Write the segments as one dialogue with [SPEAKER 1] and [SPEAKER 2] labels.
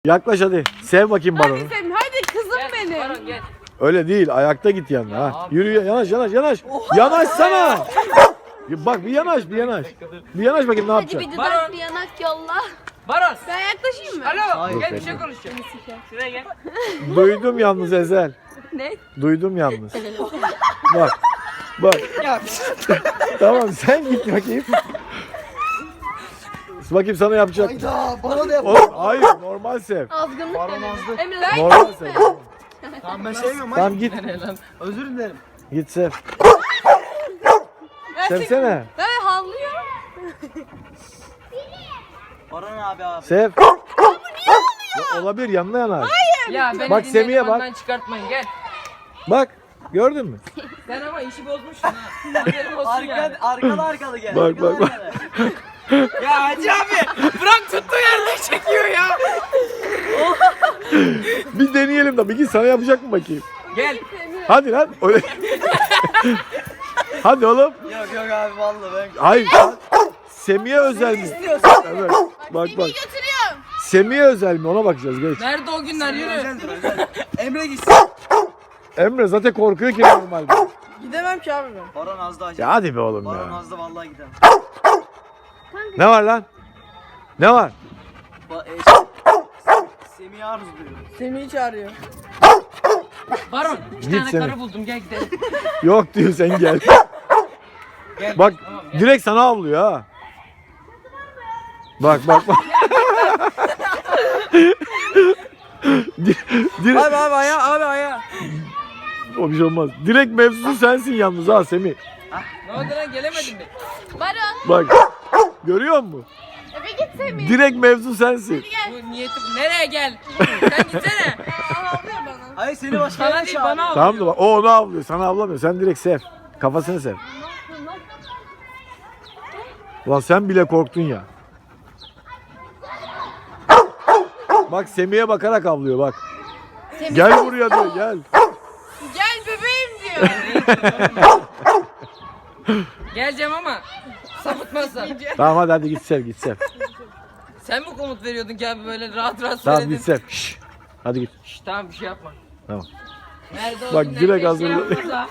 [SPEAKER 1] Yaklaş hadi. Sev bakayım baronu.
[SPEAKER 2] Hadi Sevim, hadi kızım benim.
[SPEAKER 3] Baron gel.
[SPEAKER 1] Öyle değil. Ayakta git yanına. Ha.
[SPEAKER 3] abi.
[SPEAKER 1] Yürü yanaş. Yanaşsana. Bak bir yanaş. Bir yanaş bakayım ne
[SPEAKER 2] Hadi
[SPEAKER 1] yapacaksın.
[SPEAKER 2] bir
[SPEAKER 3] Baron.
[SPEAKER 2] dudak bir yanak yolla.
[SPEAKER 3] Baron.
[SPEAKER 2] Ben yaklaşayım mı?
[SPEAKER 3] Alo.
[SPEAKER 1] Hayır.
[SPEAKER 3] Gel bir şey konuşacağım. Şuraya gel.
[SPEAKER 1] Duydum yalnız Ezel.
[SPEAKER 2] Ne?
[SPEAKER 1] Duydum yalnız. Bak. Tamam sen git bakayım. Bakayım sana yapacak.
[SPEAKER 4] Hayda bana da yap.
[SPEAKER 1] Oğlum, hayır normal sev.
[SPEAKER 2] Azgınlık
[SPEAKER 4] Baron
[SPEAKER 2] dedim.
[SPEAKER 4] azdı.
[SPEAKER 2] Emre ben
[SPEAKER 1] Normal sev.
[SPEAKER 4] Tamam ben sevmiyorum.
[SPEAKER 1] Tamam git.
[SPEAKER 4] Özür dilerim.
[SPEAKER 1] Git sev. Sevsene.
[SPEAKER 2] Ben havlıyor.
[SPEAKER 4] Baron abi.
[SPEAKER 1] Sev. Ya, olabilir yanına yanar.
[SPEAKER 3] Ya beni
[SPEAKER 1] Bak, Semih'e bak.
[SPEAKER 3] bak. Çıkartmayın gel.
[SPEAKER 1] Bak gördün mü?
[SPEAKER 3] Sen ama işi bozmuşsun ha. Haberin olsun yani.
[SPEAKER 4] Arkalı gel.
[SPEAKER 1] Bak.
[SPEAKER 3] Ya Hacı abi bırak tuttuğu yerde çekiyor ya.
[SPEAKER 1] Bir deneyelim de bir git sana yapacak mı bakayım?
[SPEAKER 3] Gel.
[SPEAKER 1] Hadi lan. Öyle. Hadi oğlum.
[SPEAKER 4] Yok abi vallahi ben.
[SPEAKER 1] Hayır. Semih'e özel mi? Evet. Bak.
[SPEAKER 2] Götürüyorum.
[SPEAKER 1] Semih'e özel mi? Ona bakacağız geç.
[SPEAKER 3] Nerede o günler yürü.
[SPEAKER 4] Özel. Emre gitsin.
[SPEAKER 1] Emre zaten korkuyor ki normalde.
[SPEAKER 2] Gidemem ki abi ben.
[SPEAKER 4] Baron azdı hacı.
[SPEAKER 1] Ya hadi be oğlum
[SPEAKER 4] Baron
[SPEAKER 1] ya.
[SPEAKER 4] azdı vallahi gidemem.
[SPEAKER 1] Ne var lan? Ne var?
[SPEAKER 4] Semih'i arzuluyor.
[SPEAKER 2] Semih'i çağırıyor.
[SPEAKER 3] Baron bir
[SPEAKER 1] Git
[SPEAKER 3] tane
[SPEAKER 1] Semih.
[SPEAKER 3] karı buldum gel gidelim.
[SPEAKER 1] Yok diyor sen gel.
[SPEAKER 3] Gel.
[SPEAKER 1] Bak
[SPEAKER 3] Tamam, gel.
[SPEAKER 1] direkt sana avlıyor ha. Bak. Direkt
[SPEAKER 2] Abi ayağa.
[SPEAKER 1] o bir şey olmaz. Direkt mevzusu sensin yalnız ha Semih.
[SPEAKER 3] Ne oldu lan gelemedim mi?
[SPEAKER 2] Baron.
[SPEAKER 1] Bak. Görüyor musun?
[SPEAKER 2] Eve git Semih.
[SPEAKER 1] Direkt mevzu sensin.
[SPEAKER 3] Bu niyetim nereye gel? Sen gitsene.
[SPEAKER 2] Havlıyor bana.
[SPEAKER 4] Hayır seni başka
[SPEAKER 3] Sana
[SPEAKER 4] yere
[SPEAKER 3] değil bana
[SPEAKER 4] çağırıyor.
[SPEAKER 3] al.
[SPEAKER 1] Tamam da bak o onu avlıyor. Sana avlamıyor. Sen direkt sev. Kafasını sev. Ulan sen bile korktun ya. Bak Semih'e bakarak avlıyor bak. Gel buraya diyor gel.
[SPEAKER 2] Gel bebeğim diyor.
[SPEAKER 3] Geleceğim ama sapıtmazsan.
[SPEAKER 1] Tamam hadi git sev.
[SPEAKER 3] Sen mi komut veriyordun ki abi böyle rahat
[SPEAKER 1] Tamam
[SPEAKER 3] söyledin?
[SPEAKER 1] git sev. Şşş. Hadi git.
[SPEAKER 3] Şşş, tamam bir şey yapma.
[SPEAKER 1] Tamam.
[SPEAKER 3] Nerede o
[SPEAKER 1] Bak,
[SPEAKER 3] günler
[SPEAKER 1] direkt
[SPEAKER 3] keşke
[SPEAKER 1] hazırla-
[SPEAKER 3] yapmasa.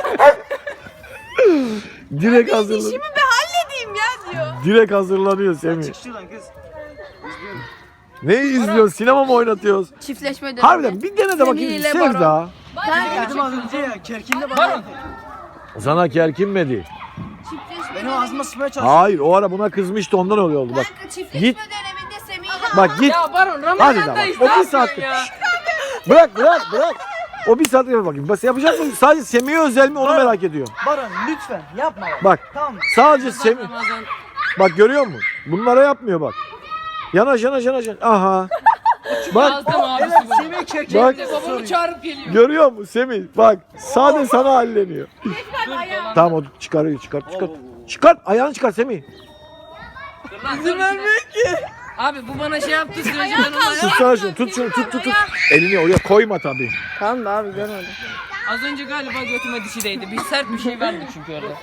[SPEAKER 1] Direkt hazırlan.
[SPEAKER 2] İşimi bir halledeyim ya diyor.
[SPEAKER 1] Direkt hazırlanıyor Semih.
[SPEAKER 4] Çık şuradan kız.
[SPEAKER 1] Ne izliyoruz? Sinema mı oynatıyoruz?
[SPEAKER 2] Çiftleşme dönemi.
[SPEAKER 1] Harbiden bir dene de bakayım.
[SPEAKER 2] Semih ile
[SPEAKER 1] Sev
[SPEAKER 2] Baron.
[SPEAKER 1] daha.
[SPEAKER 4] Dedim az önce ya kerkinde bana.
[SPEAKER 3] Baron.
[SPEAKER 1] Sana kerkinmedi.
[SPEAKER 2] Çiftleşme
[SPEAKER 4] Benim ağzıma sıkmaya çalışıyor.
[SPEAKER 1] Hayır o ara buna kızmıştı ondan öyle oldu bak.
[SPEAKER 2] Kanka çiftleşme
[SPEAKER 1] Git.
[SPEAKER 2] döneminde Semih ile
[SPEAKER 1] Bak git.
[SPEAKER 3] Ya Baron
[SPEAKER 1] Hadi
[SPEAKER 3] Ramazan'dayız.
[SPEAKER 1] de bak, o
[SPEAKER 3] Ne
[SPEAKER 1] bir saat-
[SPEAKER 3] yapıyorsun ya?
[SPEAKER 1] Bırak. O bir saat yapar bakayım. Bas yapacak mısın? Sadece Semih'e özel mi onu merak ediyorum.
[SPEAKER 4] Baron lütfen yapma.
[SPEAKER 1] Bak
[SPEAKER 4] Tamam mı?
[SPEAKER 1] sadece Semih.
[SPEAKER 3] Ramazan.
[SPEAKER 1] Bak görüyor musun? Bunlara yapmıyor bak. Yanaş. Aha. Bak
[SPEAKER 3] Yazdım abisi
[SPEAKER 4] Evet
[SPEAKER 3] bunu.
[SPEAKER 4] Semih kerkinde
[SPEAKER 1] Bak.
[SPEAKER 3] Babamı çağırıp geliyor.
[SPEAKER 1] görüyor musun Semih? Bak sadece sana halleniyor.
[SPEAKER 3] Dur dolan.
[SPEAKER 1] Tamam o çıkarıyor çıkart. Çıkart ayağını çıkart Semih.
[SPEAKER 3] Dur lan, dur, Abi bu bana şey yaptı sürece ben ona
[SPEAKER 1] Tutsana şunu tut. Elini oraya koyma tabii.
[SPEAKER 2] Tamam da abi görmedim.
[SPEAKER 3] Az önce galiba götüme dişi değdi. Bir sert bir şey verdi çünkü orada.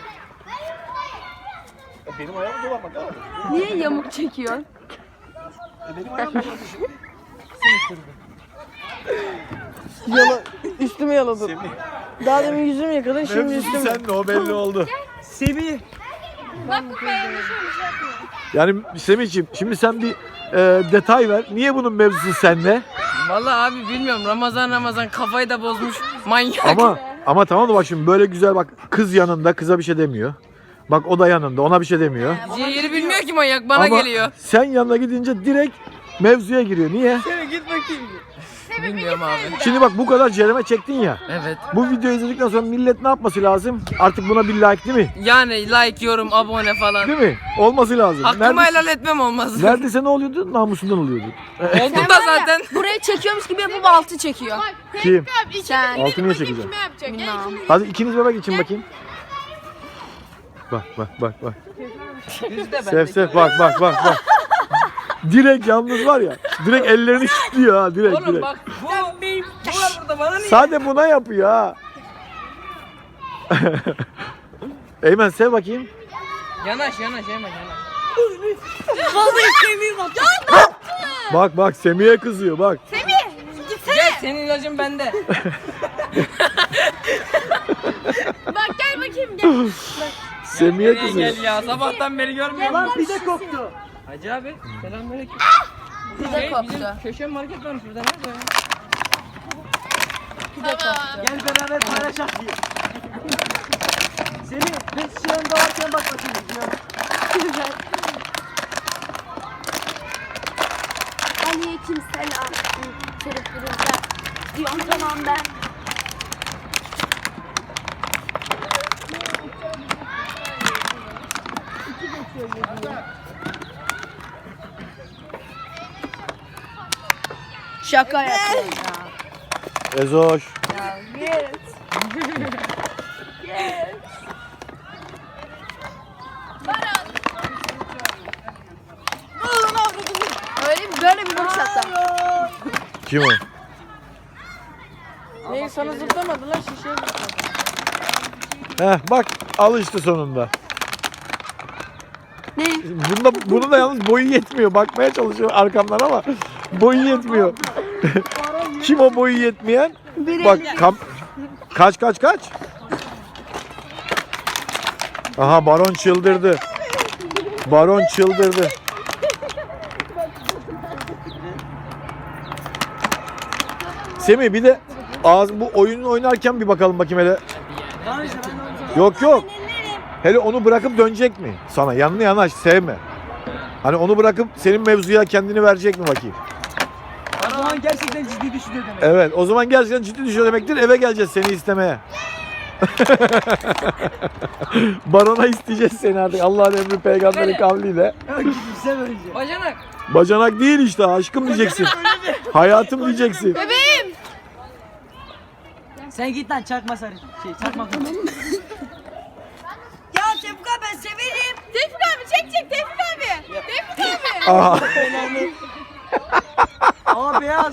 [SPEAKER 1] Benim ayağım dolanmak abi.
[SPEAKER 2] Niye yamuk çekiyorsun?
[SPEAKER 1] Benim ayağım dolanmak.
[SPEAKER 2] Üstümü yaladım. Daha demin yüzümü yıkadın şimdi
[SPEAKER 1] Mevzusu
[SPEAKER 2] üstümü.
[SPEAKER 1] sen de o belli oldu.
[SPEAKER 4] Semih.
[SPEAKER 2] Bak bu beğenmişim bir şey yapmıyor.
[SPEAKER 1] Yani Semih'ciğim şimdi sen bir detay ver. Niye bunun mevzusu sende?
[SPEAKER 3] Vallahi abi bilmiyorum Ramazan kafayı da bozmuş manyak.
[SPEAKER 1] Ama tamam da bak şimdi böyle güzel bak kız yanında kıza bir şey demiyor. Bak o da yanında ona bir şey demiyor.
[SPEAKER 3] Yeri bilmiyor ki manyak bana
[SPEAKER 1] Ama
[SPEAKER 3] geliyor.
[SPEAKER 1] sen yanına gidince direkt mevzuya giriyor. Niye?
[SPEAKER 3] Bilmiyorum abi.
[SPEAKER 1] Şimdi bak bu kadar cereme çektin ya.
[SPEAKER 3] Evet.
[SPEAKER 1] Bu videoyu izledikten sonra millet ne yapması lazım? Artık buna bir like değil mi?
[SPEAKER 3] Yani like, yorum, abone falan.
[SPEAKER 1] Değil mi? Olması lazım.
[SPEAKER 3] Hakkımı helal etmem olmaz.
[SPEAKER 1] Neredeyse ne oluyordu? Namusundan oluyordu.
[SPEAKER 3] Oldu da zaten.
[SPEAKER 2] Burayı çekiyormuş gibi yapıp altı çekiyor.
[SPEAKER 1] Kim?
[SPEAKER 2] Sen.
[SPEAKER 1] Altı niye çekeceğim?
[SPEAKER 2] Bilmem.
[SPEAKER 1] Hadi ikiniz bebek için bakayım. Bak. Sev bak. Direkt yalnız var ya. Direkt ellerini kilitliyor ha direkt.
[SPEAKER 3] Oğlum bak bu var burada bana niye?
[SPEAKER 1] Sade buna yapıyor ha. Eymen sev bakayım.
[SPEAKER 3] Yanaş.
[SPEAKER 2] Vallahi seveyim bak. Ya ne yaptın?
[SPEAKER 1] Bak bak Semih'e kızıyor bak.
[SPEAKER 3] Gel senin ilacın bende.
[SPEAKER 2] Bak gel bakayım gel.
[SPEAKER 1] Semih'e
[SPEAKER 3] Gel
[SPEAKER 1] kızıyor.
[SPEAKER 3] gel ya sabahtan beri görmüyorum.
[SPEAKER 4] Lan pide koktu.
[SPEAKER 3] Hacı abi selamünaleyküm.
[SPEAKER 2] Pide koptu.
[SPEAKER 3] Bizim köşe market varmış burada nerede ya?
[SPEAKER 2] Pide koptu.
[SPEAKER 4] Gel beraber paylaşalım diye. Seni biz şu anda varken bak bakayım.
[SPEAKER 2] Aleyküm selam. Kırık kırıkta. Diyorum tamam ben. Şaka yapıyorum ya.
[SPEAKER 1] Ezoş.
[SPEAKER 2] Böyle bir vuruş attım.
[SPEAKER 1] Kim o?
[SPEAKER 3] Neyi sana zıplamadı lan şişeye zıpladı.
[SPEAKER 1] Heh bak alıştı sonunda.
[SPEAKER 2] Ne?
[SPEAKER 1] Bunun da yalnız boyu yetmiyor. Bakmaya çalışıyor arkamdan ama boyu yetmiyor. Kim o boyu yetmeyen? Bak kaç. Aha baron çıldırdı. Baron çıldırdı. Semih bir de bu oyunu oynarken bir bakalım bakayım hele.
[SPEAKER 4] Tamam işte ben de onu sana.
[SPEAKER 1] Yok. Hele onu bırakıp dönecek mi sana? Yanına yanaş sevme. Hani onu bırakıp senin mevzuya kendini verecek mi bakayım?
[SPEAKER 4] O zaman gerçekten ciddi düşünüyor demek.
[SPEAKER 1] Evet o zaman gerçekten ciddi düşüyor demektir. Eve geleceğiz seni istemeye. Barona isteyeceğiz seni artık. Allah'ın emri peygamberin kavliyle.
[SPEAKER 4] Gidipse böylece.
[SPEAKER 3] Bacanak.
[SPEAKER 1] Bacanak değil işte aşkım diyeceksin. Hayatım diyeceksin.
[SPEAKER 2] Bebeğim.
[SPEAKER 4] Sen git lan çakma sarı. Çakma kız.
[SPEAKER 2] Ya Tevfik abi ben severim. Tevfik abi çek Tevfik abi. Tevfik abi.
[SPEAKER 1] Aha.
[SPEAKER 4] Ama beyaz.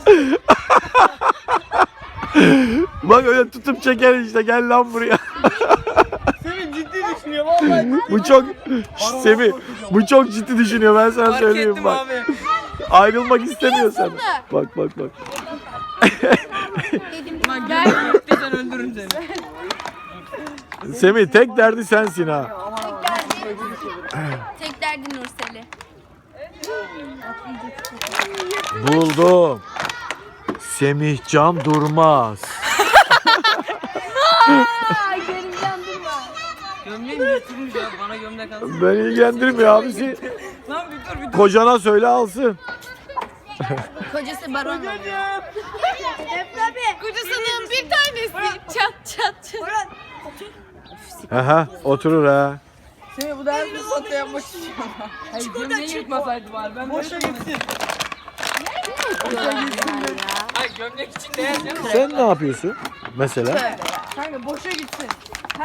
[SPEAKER 1] Bak öyle tutup çeker işte gel lan buraya.
[SPEAKER 4] Seni ciddi düşünüyor vallahi.
[SPEAKER 1] Bu çok Semih bu çok ciddi düşünüyor ben sana
[SPEAKER 3] Fark
[SPEAKER 1] söyleyeyim
[SPEAKER 3] ettim
[SPEAKER 1] bak.
[SPEAKER 3] abi.
[SPEAKER 1] Ayrılmak istemiyor sana. Bak.
[SPEAKER 3] Lan gel gittiysen öldürürüm seni.
[SPEAKER 1] Semih tek derdi sensin ha.
[SPEAKER 2] Tek derdin Nursel'i.
[SPEAKER 1] Buldum. Semihcan Durmaz.
[SPEAKER 2] Gerimden durma.
[SPEAKER 3] Gömleğim yırtılmış ya bana gömlek alsın.
[SPEAKER 1] Beni ilgilendirmiyor abisi.
[SPEAKER 3] Lan bir dur.
[SPEAKER 1] Kocana söyle alsın.
[SPEAKER 2] Kocası baron. Tevfik abi. Kocasının bir tanesi. Çat.
[SPEAKER 1] Aha oturur ha.
[SPEAKER 3] Seni bu da her bir satte yapmak istiyorum. Hayır gömleği yırtmasaydı bari ben
[SPEAKER 4] Boşa gitsin.
[SPEAKER 3] Hayır gömlek için değer canım.
[SPEAKER 1] Sen ne yapıyorsun mesela?
[SPEAKER 3] Kanka boşa